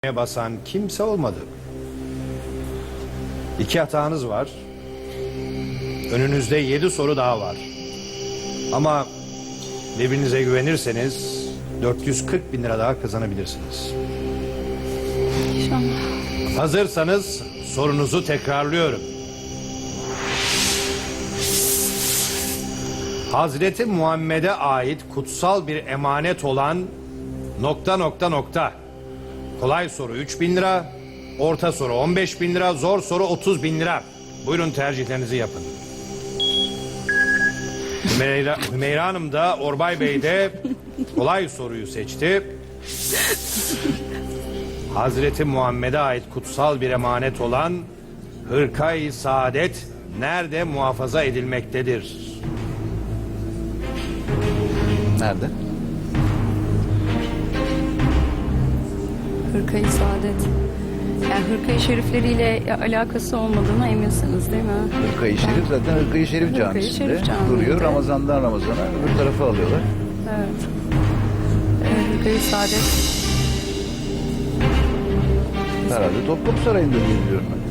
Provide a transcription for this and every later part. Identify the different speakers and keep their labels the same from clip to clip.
Speaker 1: basan kimse olmadı. 2 hatanız var. Önünüzde 7 soru daha var. Ama birbirinize güvenirseniz 440 bin lira daha kazanabilirsiniz.
Speaker 2: İnşallah.
Speaker 1: Hazırsanız sorunuzu tekrarlıyorum. Hazreti Muhammed'e ait kutsal bir emanet olan ... Kolay soru 3 bin lira, orta soru 15 bin lira, zor soru 30 bin lira. Buyurun tercihlerinizi yapın. Hümeyra Hanım da Orbay Bey de kolay soruyu seçti. Hazreti Muhammed'e ait kutsal bir emanet olan Hırka-i Saadet nerede muhafaza edilmektedir?
Speaker 3: Nerede?
Speaker 2: Hırka-i Saadet. Yani Hırka-i Şerifleriyle alakası olmadığına eminsiniz değil mi?
Speaker 3: Hırka-i Şerif zaten Hırka-i Şerif
Speaker 2: Hırka-i
Speaker 3: Camisi'nde
Speaker 2: Şerif Camii'nde
Speaker 3: duruyor. Ramazan'dan Ramazan'a öbür tarafa alıyorlar.
Speaker 2: Evet. Hırka-i Saadet.
Speaker 3: Herhalde Topkapı Sarayı'nda diye biliyorum ben.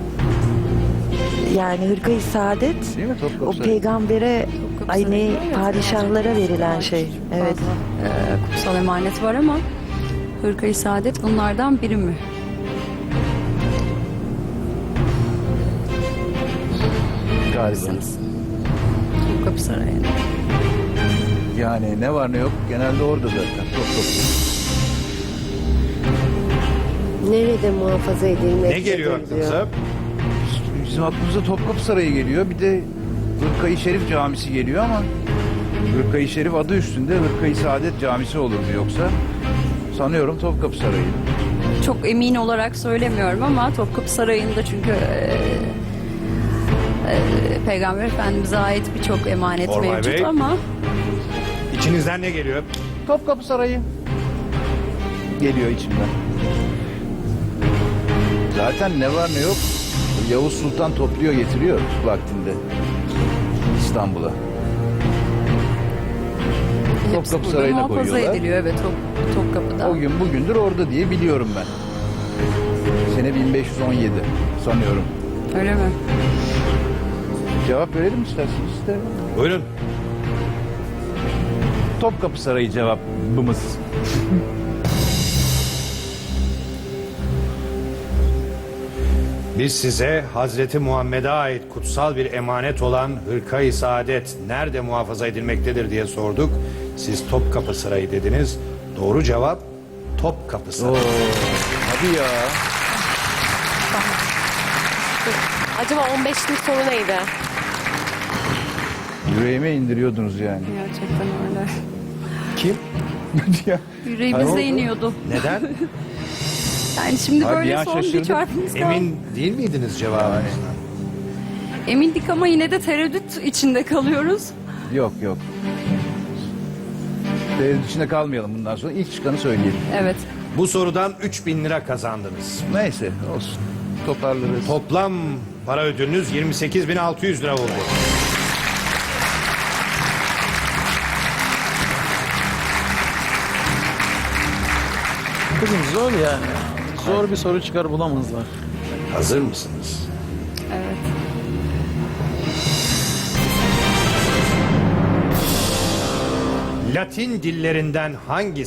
Speaker 4: Yani Hırka-i Saadet
Speaker 3: Değil mi Topkapı
Speaker 4: o
Speaker 3: Sarayı?
Speaker 4: peygambere
Speaker 2: Topkapı
Speaker 4: ay
Speaker 2: Sarayı'nda,
Speaker 4: ne
Speaker 2: evet,
Speaker 4: padişahlara
Speaker 2: gerçekten
Speaker 4: verilen şey. Evet.
Speaker 2: fazla, kutsal emanet var ama Hırka-i Saadet bunlardan biri mi?
Speaker 3: Galiba.
Speaker 2: Topkapı Sarayı'nda.
Speaker 3: Yani ne var ne yok genelde orada zaten Topkapı.
Speaker 5: Nerede muhafaza edilmektedir
Speaker 1: Ne geliyor aklınıza?
Speaker 5: diyor.
Speaker 3: Bizim aklımıza Topkapı Sarayı geliyor. Bir de Hırka-i Şerif Camisi geliyor ama Hırka-i Şerif adı üstünde Hırka-i Saadet Camisi olurdu yoksa. Sanıyorum Topkapı Sarayı.
Speaker 2: Çok emin olarak söylemiyorum ama Topkapı Sarayı'nda çünkü Peygamber Efendimiz'e ait birçok emanet
Speaker 1: Ormay
Speaker 2: mevcut
Speaker 1: Bey.
Speaker 2: ama
Speaker 1: İçinizden ne geliyor?
Speaker 3: Topkapı Sarayı geliyor içimden. Zaten ne var ne yok Yavuz Sultan topluyor getiriyor vaktinde İstanbul'a.
Speaker 2: hepsi
Speaker 3: Topkapı
Speaker 2: burada
Speaker 3: Sarayı'na
Speaker 2: muhafaza
Speaker 3: koyuyorlar.
Speaker 2: ediliyor. Evet, Topkapı'da.
Speaker 3: O gün bugündür orada diye biliyorum ben. Sene 1517 sanıyorum.
Speaker 2: Öyle mi?
Speaker 3: Cevap verelim isterseniz. İsterim.
Speaker 1: Buyurun.
Speaker 3: Topkapı Sarayı cevabımız.
Speaker 1: Biz size Hazreti Muhammed'e ait kutsal bir emanet olan Hırka-i Saadet nerede muhafaza edilmektedir diye sorduk. Siz Topkapı Sarayı dediniz. Doğru cevap Topkapı Sarayı.
Speaker 3: Hadi ya.
Speaker 5: Acaba 15'lik soru neydi?
Speaker 3: Yüreğime indiriyordunuz yani.
Speaker 2: Gerçekten öyle.
Speaker 1: Kim?
Speaker 3: Ya.
Speaker 2: Yüreğimize
Speaker 3: Hayır,
Speaker 2: iniyordu.
Speaker 1: Neden?
Speaker 2: Yani şimdi
Speaker 3: Abi
Speaker 2: böyle
Speaker 3: ya,
Speaker 2: son bir
Speaker 3: şaşırdım.
Speaker 2: çarpımız kaldı.
Speaker 1: Emin değil miydiniz cevabınızdan?
Speaker 2: Emindik ama yine de tereddüt içinde kalıyoruz.
Speaker 3: Yok. Tereddüt içinde kalmayalım bundan sonra. İlk çıkanı söyleyelim.
Speaker 2: Evet.
Speaker 1: Bu sorudan 3.000 lira kazandınız.
Speaker 3: Neyse olsun. Toparlarız.
Speaker 1: Toplam para ödülünüz 28.600 lira oldu.
Speaker 6: Kızım zor yani. Zor bir soru çıkar bulamazlar.
Speaker 1: Hazır mısınız?
Speaker 2: Evet.
Speaker 1: Latin dillerinden hangisi ...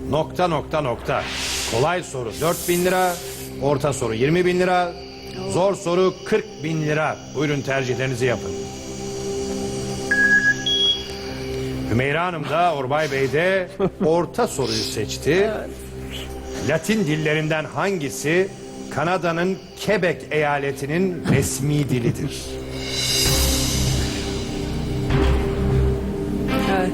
Speaker 1: Kolay soru 4.000 lira, orta soru 20.000 lira, zor soru 40.000 lira. Buyurun tercihlerinizi yapın. Hümeyra Hanım da Orbay Bey de orta soruyu seçti. Latin dillerinden hangisi Kanada'nın Quebec eyaletinin resmi dilidir?
Speaker 2: Evet.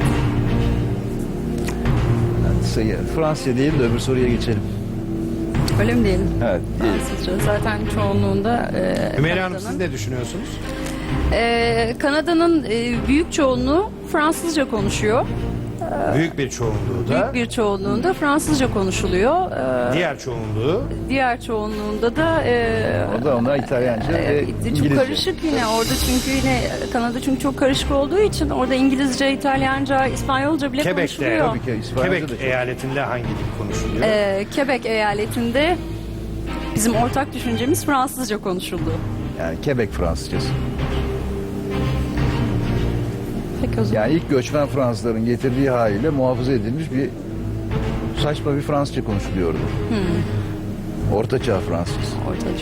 Speaker 3: Fransızca değil de öbür soruya geçelim.
Speaker 2: Öyle mi diyelim?
Speaker 3: Evet.
Speaker 2: Fransızca. Zaten çoğunluğunda
Speaker 1: Hümeyra Hanım siz ne düşünüyorsunuz?
Speaker 2: Kanada'nın büyük çoğunluğu Fransızca konuşuyor.
Speaker 1: Büyük bir çoğunluğu da.
Speaker 2: Büyük bir çoğunluğunda Fransızca konuşuluyor.
Speaker 1: Diğer çoğunluğu.
Speaker 2: Diğer çoğunluğunda da
Speaker 3: O da ona İtalyanca ve
Speaker 2: çok
Speaker 3: İngilizce.
Speaker 2: karışık yine orada, çünkü yine Kanada çünkü çok karışık olduğu için orada İngilizce, İtalyanca, İspanyolca bile
Speaker 1: Quebec'te,
Speaker 2: konuşuluyor.
Speaker 3: Tabii ki İspanyolca da
Speaker 1: Quebec
Speaker 3: çok.
Speaker 1: eyaletinde hangi dil konuşuluyor?
Speaker 2: Quebec eyaletinde bizim ortak düşüncemiz Fransızca konuşuldu.
Speaker 3: Yani Quebec Fransızcası.
Speaker 2: Peki o zaman.
Speaker 3: Yani ilk göçmen Fransızların getirdiği haliyle muhafaza edilmiş bir saçma bir Fransızca konuşuluyordu. Ortaçağ Fransız.
Speaker 2: Ortaçağ.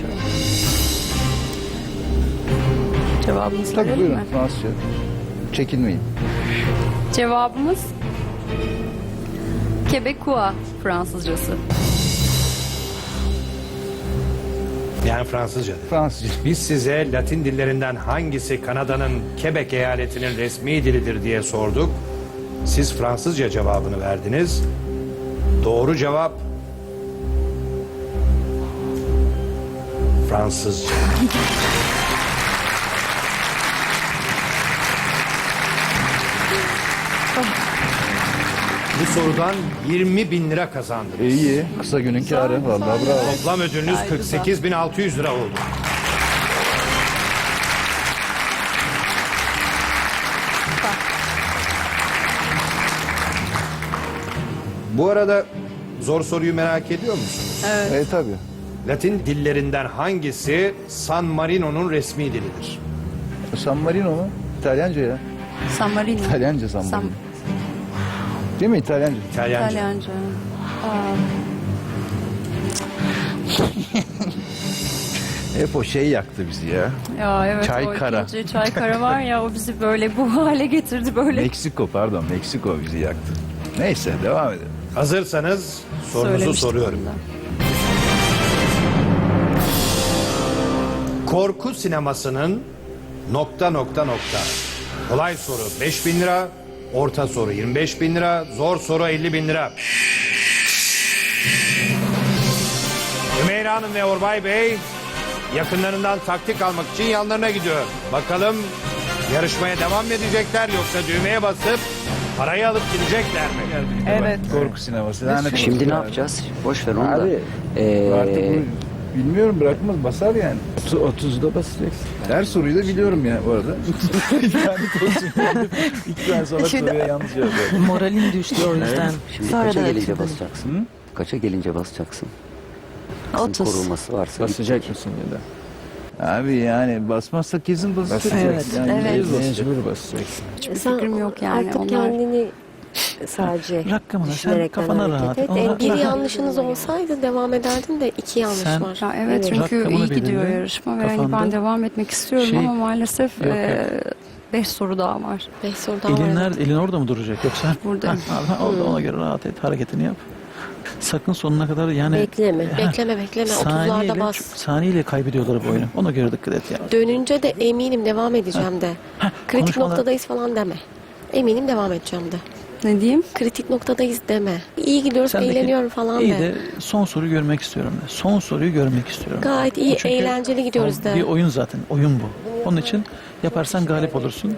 Speaker 2: Cevabımızı
Speaker 3: Tabii
Speaker 2: verelim
Speaker 3: buyurun
Speaker 2: mi?
Speaker 3: Fransızca. Çekinmeyin.
Speaker 2: Cevabımız Quebecois Fransızcası.
Speaker 1: Yani Fransızca.
Speaker 3: Fransızca.
Speaker 1: Biz size Latin dillerinden hangisi Kanada'nın Quebec eyaletinin resmi dilidir diye sorduk. Siz Fransızca cevabını verdiniz. Doğru cevap Fransızca. Bu sorudan 20.000 lira kazandınız.
Speaker 3: İyi. Kısa günün kârı. Vallahi bravo.
Speaker 1: Toplam ödülünüz
Speaker 2: Gayet güzel.
Speaker 1: 48.600 lira oldu. Bu arada zor soruyu merak ediyor musunuz?
Speaker 3: Tabii.
Speaker 1: Latin dillerinden hangisi San Marino'nun resmi dilidir?
Speaker 3: San Marino mu? İtalyanca ya.
Speaker 2: San Marino.
Speaker 3: İtalyanca San Marino. Değil mi İtalyanca?
Speaker 1: İtalyanca.
Speaker 2: İtalyanca.
Speaker 3: Hep o şey yaktı bizi ya.
Speaker 2: Ya evet,
Speaker 3: Çaykara.
Speaker 2: o ikinci Çaykara var ya, o bizi böyle bu hale getirdi böyle.
Speaker 3: Meksiko pardon. Meksiko bizi yaktı. Neyse devam edelim.
Speaker 1: Hazırsanız sorunuzu
Speaker 2: Söylemiştim
Speaker 1: soruyorum.
Speaker 2: bunu da.
Speaker 1: Korku sinemasının ... Kolay soru 5.000 lira, orta soru 25.000 lira, zor soru 50.000 lira. Ümeyra Hanım ve Orbay Bey yakınlarından taktik almak için yanlarına gidiyor. Bakalım yarışmaya devam mı edecekler, yoksa düğmeye basıp parayı alıp gidecekler mi?
Speaker 4: Evet.
Speaker 3: Korku sineması. Lanet olsun.
Speaker 7: Şimdi ne yapacağız? Boş ver onu da.
Speaker 3: Abi artık bu, bilmiyorum bırakmaz basar yani.
Speaker 6: 30'da basacaksın.
Speaker 3: Her soruyu da biliyorum ya bu arada. Lanet olsun. İki tane sonra
Speaker 4: Şimdi-
Speaker 3: soruya yanlış cevap verdim.
Speaker 6: Moralin düştü o yüzden.
Speaker 7: Şimdi
Speaker 4: Sonra
Speaker 7: kaça
Speaker 4: da
Speaker 7: gelince
Speaker 4: açıldı.
Speaker 7: basacaksın? Kaça gelince basacaksın? Kızın
Speaker 4: 30.
Speaker 7: korunması varsa
Speaker 6: Basacak mısın ya da?
Speaker 3: Abi yani basmazsak kesin basacak.
Speaker 4: Evet,
Speaker 3: Yani
Speaker 4: evet.
Speaker 3: yüz basacak.
Speaker 6: Mecbur basacaksın.
Speaker 2: Hiçbir fikrim yok yani.
Speaker 5: Artık
Speaker 2: Onlar...
Speaker 5: kendini sadece
Speaker 6: Rakamına sen
Speaker 5: düşünerekten
Speaker 6: kafana
Speaker 5: hareket
Speaker 6: rahat.
Speaker 5: et.
Speaker 6: Ona
Speaker 5: Bir
Speaker 6: rahat.
Speaker 5: yanlışınız olsaydı devam ederdin de 2 yanlış
Speaker 6: Sen-
Speaker 5: var.
Speaker 2: Ya evet, çünkü
Speaker 6: Rakamını
Speaker 2: iyi gidiyor
Speaker 6: belirle.
Speaker 2: yarışma ve
Speaker 6: Kafanda.
Speaker 2: ben devam etmek istiyorum
Speaker 6: Şey-
Speaker 2: ama maalesef
Speaker 6: Yok,
Speaker 2: 5 soru daha var.
Speaker 5: 5 soru daha
Speaker 6: Elin,
Speaker 5: var.
Speaker 6: nerede, elin orada mı duracak yoksa?
Speaker 2: Burada.
Speaker 6: Orada ona göre rahat et, hareketini yap. Sakın sonuna kadar yani...
Speaker 5: Bekleme,
Speaker 6: Ha,
Speaker 5: bekleme. 30'larda bas.
Speaker 6: Saniyeyle kaybediyorlar bu oyunu. Ona göre dikkat et yani.
Speaker 5: Dönünce de eminim devam edeceğim de. Kritik
Speaker 6: konuşmalar-
Speaker 5: noktadayız falan deme. Eminim devam edeceğim de.
Speaker 2: Ne diyeyim?
Speaker 5: Kritik noktadayız deme. İyi gidiyoruz,
Speaker 6: Sendeki-
Speaker 5: eğleniyorum falan
Speaker 6: İyi
Speaker 5: de.
Speaker 6: de son soruyu görmek istiyorum de. Son soruyu görmek istiyorum.
Speaker 5: Gayet iyi,
Speaker 6: Bu çünkü
Speaker 5: eğlenceli gidiyoruz de.
Speaker 6: Bir oyun zaten. Oyun bu. Onun için yaparsan galip olursun.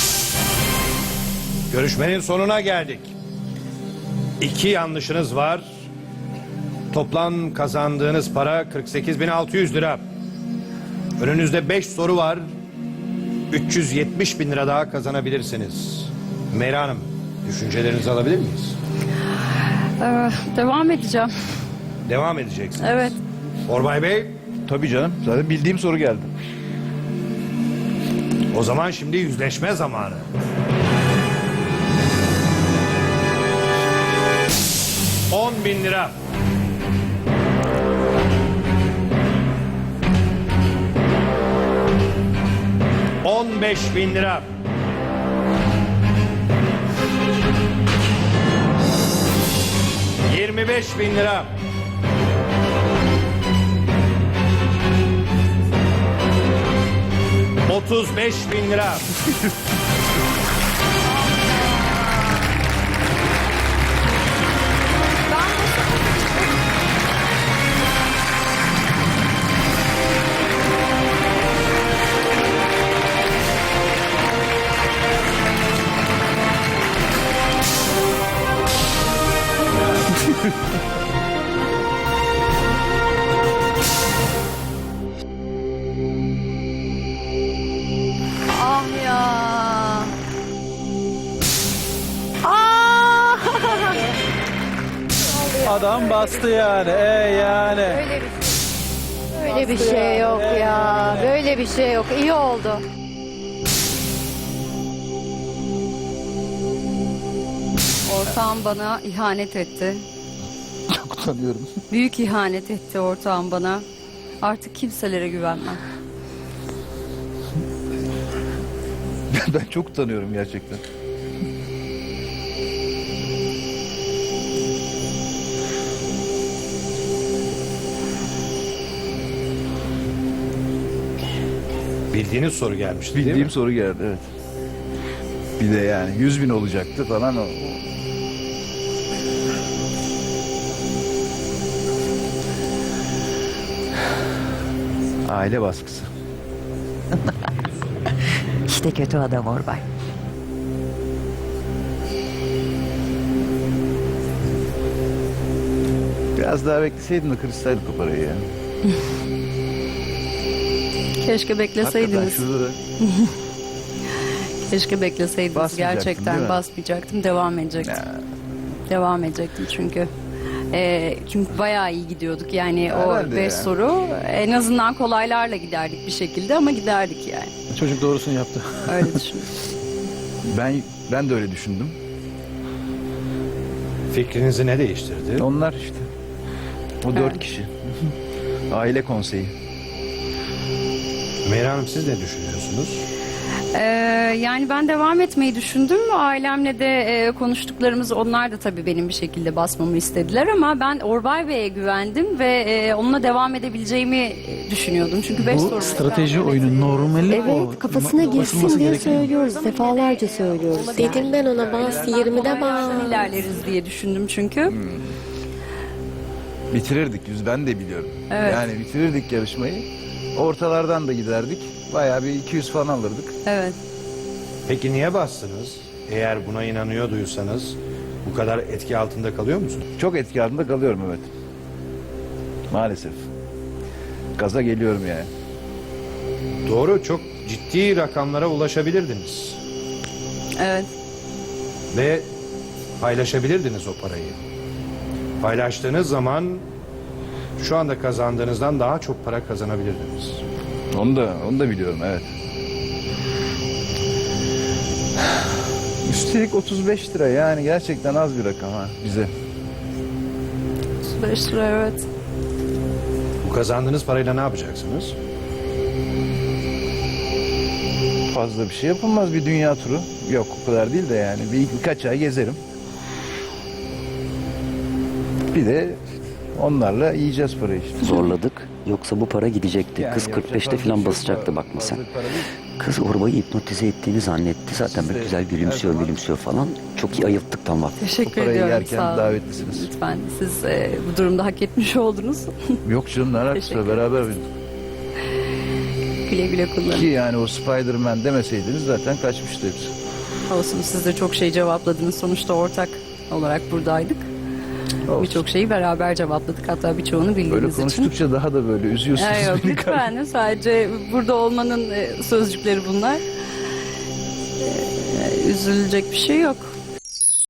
Speaker 1: Görüşmenin sonuna geldik. 2 yanlışınız var. Toplam kazandığınız para 48.600 lira. Önünüzde 5 soru var. 370.000 lira daha kazanabilirsiniz. Meyra Hanım, düşüncelerinizi alabilir miyiz?
Speaker 2: Devam edeceğim.
Speaker 1: Devam edeceksiniz.
Speaker 2: Evet.
Speaker 1: Orbay Bey,
Speaker 3: Tabii canım. Zaten bildiğim soru geldi.
Speaker 1: o zaman şimdi yüzleşme zamanı. ...10.000 lira. ...15.000 lira. ...25.000 lira. ...35.000 lira.
Speaker 6: bastı yani. Yani.
Speaker 8: Öyle bir şey yok ya. Böyle bir şey yok. İyi oldu.
Speaker 2: Ortağım bana ihanet etti.
Speaker 3: Çok utanıyorum.
Speaker 2: Büyük ihanet etti ortağım bana. Artık kimselere güvenmem.
Speaker 3: Ben çok utanıyorum gerçekten.
Speaker 1: Bildiğiniz soru gelmişti değil
Speaker 3: Bildiğim
Speaker 1: mi?
Speaker 3: soru geldi, evet. Bir de yani 100.000 olacaktı falan o. Aile baskısı.
Speaker 4: İşte kötü adam Orbay.
Speaker 3: Biraz daha bekleseydim de kırışsaydık o parayı ya.
Speaker 2: Keşke
Speaker 3: Hakikaten
Speaker 2: bekleseydiniz.
Speaker 3: şurada da
Speaker 2: Keşke bekleseydiniz.
Speaker 3: Basmayacaktın, değil
Speaker 2: Gerçekten
Speaker 3: mi?
Speaker 2: basmayacaktım. Devam edecektim. Devam edecektim çünkü. Çünkü bayağı iyi gidiyorduk. Yani
Speaker 3: Herhalde
Speaker 2: o 5
Speaker 3: ya.
Speaker 2: soru en azından kolaylarla giderdik bir şekilde ama giderdik yani.
Speaker 6: Çocuk doğrusunu yaptı.
Speaker 2: Öyle düşünüyorum.
Speaker 3: ben de öyle düşündüm.
Speaker 1: Fikrinizi ne değiştirdi?
Speaker 3: Onlar işte. O 4
Speaker 2: Evet.
Speaker 3: kişi. Aile konseyi.
Speaker 1: Meyra Hanım siz ne düşünüyorsunuz?
Speaker 2: Yani ben devam etmeyi düşündüm. Ailemle de konuştuklarımız, onlar da tabii benim bir şekilde basmamı istediler ama ben Orbay Bey'e güvendim ve onunla devam edebileceğimi düşünüyordum. Çünkü 5 soru.
Speaker 6: Bu strateji oyunu normali o.
Speaker 8: Evet, kafasına
Speaker 6: Basılması
Speaker 8: girsin diye
Speaker 6: gereken.
Speaker 8: söylüyoruz. Defalarca söylüyoruz.
Speaker 5: Dedim ben ona bas 20'de bas.
Speaker 2: ilerleriz diye düşündüm çünkü.
Speaker 3: Bitirirdik ben de biliyorum.
Speaker 2: Evet.
Speaker 3: Yani bitirirdik yarışmayı. Ortalardan da giderdik. Bayağı bir 200 falan alırdık.
Speaker 2: Evet.
Speaker 1: Peki niye bastınız? Eğer buna inanıyorduysanız bu kadar etki altında kalıyor musunuz?
Speaker 3: Çok etki altında kalıyorum, evet. Maalesef. Gaza geliyorum yani.
Speaker 1: Doğru, çok ciddi rakamlara ulaşabilirdiniz.
Speaker 2: Evet.
Speaker 1: Ve paylaşabilirdiniz o parayı. Paylaştığınız zaman şu anda kazandığınızdan daha çok para kazanabilirdiniz.
Speaker 3: Onu da biliyorum, evet. Üstelik 35 lira, yani gerçekten az bir rakam ha bize.
Speaker 2: 35 lira, evet.
Speaker 1: Bu kazandığınız parayla ne yapacaksınız?
Speaker 3: Fazla bir şey yapılmaz, bir dünya turu. Yok, o kadar değil de yani birkaç ay gezerim. Bir de onlarla yiyeceğiz parayı işte.
Speaker 7: Zorladık. Yoksa bu para gidecekti.
Speaker 3: Yani
Speaker 7: Kız
Speaker 3: yapacak
Speaker 7: 45'te
Speaker 3: fazla bir
Speaker 7: falan
Speaker 3: şey
Speaker 7: basacaktı
Speaker 3: yok.
Speaker 7: bakma sen.
Speaker 3: Fazla para değil.
Speaker 7: Kız Orbay'ı hipnotize ettiğini zannetti. Zaten böyle güzel gülümsüyor falan. Çok iyi ayılttık tam vakti.
Speaker 2: Teşekkür
Speaker 3: parayı
Speaker 2: ediyorum.
Speaker 3: yerken
Speaker 2: Sağ olun.
Speaker 3: davetlisiniz.
Speaker 2: Lütfen siz bu durumda hak etmiş oldunuz.
Speaker 3: Yok canım, ne alakası
Speaker 2: Teşekkür
Speaker 3: var, beraber
Speaker 2: Güle güle
Speaker 3: ki
Speaker 2: kullanın.
Speaker 3: yani o Spider-Man demeseydiniz zaten kaçmıştı hepsi.
Speaker 2: Olsun, siz de çok şey cevapladınız. Sonuçta ortak olarak buradaydık.
Speaker 3: Olsun.
Speaker 2: Birçok şeyi beraber cevapladık. Hatta birçoğunu
Speaker 3: Böyle
Speaker 2: bildiğiniz için.
Speaker 3: konuştukça daha da böyle üzüyorsunuz
Speaker 2: Yok,
Speaker 3: beni.
Speaker 2: lütfen. Sadece burada olmanın sözcükleri bunlar. Üzülecek bir şey yok.